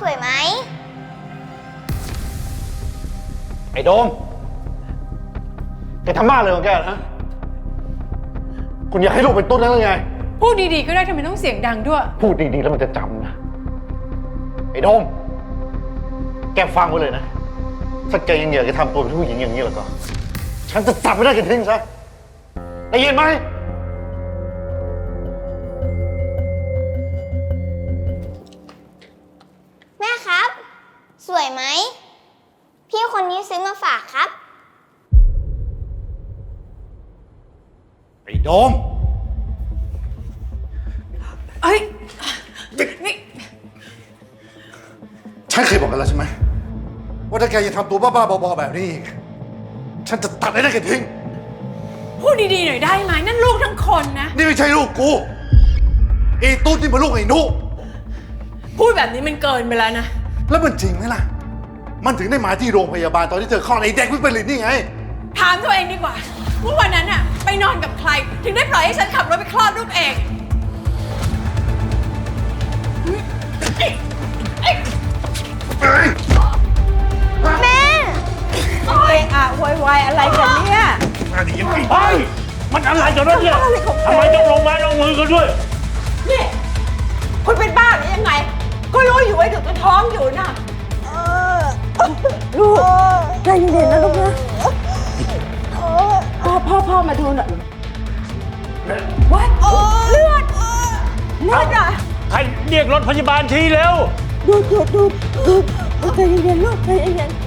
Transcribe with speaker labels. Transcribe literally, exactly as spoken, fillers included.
Speaker 1: สวยไหม
Speaker 2: ไอ้โดมแกทำบ้าเลยของแกนะคุณอยากให้ลูกเป็นตุ๊ดนั่นหรือไง
Speaker 3: พูดดีๆก็ได้ทำไมต้องเสียงดังด้วย
Speaker 2: พูดดีๆแล้วมันจะจำนะไอ้โดมแกฟังไว้เลยนะถ้าแกยังอยากจะทำตัวเป็นผู้หญิงอย่างนี้แล้วก็ฉันจะจับไม่ได้แกทิ้งซะได้ยินไหม
Speaker 1: แม่ครับสวยไหมพี่คนนี้ซื้อมาฝากครับ
Speaker 2: ไอ้โดม
Speaker 3: เอ้ยนี่
Speaker 2: ฉันเคยบอกกันแล้วใช่ไหมว่าถ้าแกยังทำตัวบ้าๆบอๆแบบนี้อีกฉันจะตัดไอ้นั่นแกทิ้ง
Speaker 3: พูดดีๆหน่อยได้ไหมนั่นลูกทั้งคนนะ
Speaker 2: นี่ไม่ใช่ลูกกูไอ้ตุ๊ดนี่เป็นลูกไอ้นุ
Speaker 3: พูดแบบนี้มันเกินไปแล้วนะ
Speaker 2: แล้วมันจริงไหมล่ะมันถึงได้มาที่โรงพยาบาลตอนที่เธอคลอดไอ้เด็กวิปริตนี่ไง
Speaker 3: ถามตัวเองดีกว่าว่าวันนั้นอะไปนอนกับใครถึงได้ปล่อยให้ฉันขับรถไปคลอดลูกเอง
Speaker 1: แม่
Speaker 3: เอะอะโวยวายอะไรกันเนี่ย
Speaker 4: เฮ้ยมันอะไรกันวะเนี่ยทำไมต้องลงไม้ลงมือกันด้วย
Speaker 3: นี่คุณเป็นบ้าหรือยังไงก็รู้อยู่ว่าเด็กมันท้องอยู่นะลูกใจเย็นๆนะลูกนะพ่อพ่อพ่อมาดูหน่อยวัดเลือดเลือดอ่ะ
Speaker 4: ใครเรียกรถพยาบาลทีเร็ว
Speaker 3: ดูดูดูดูใจเย็นๆลูกใจเย็น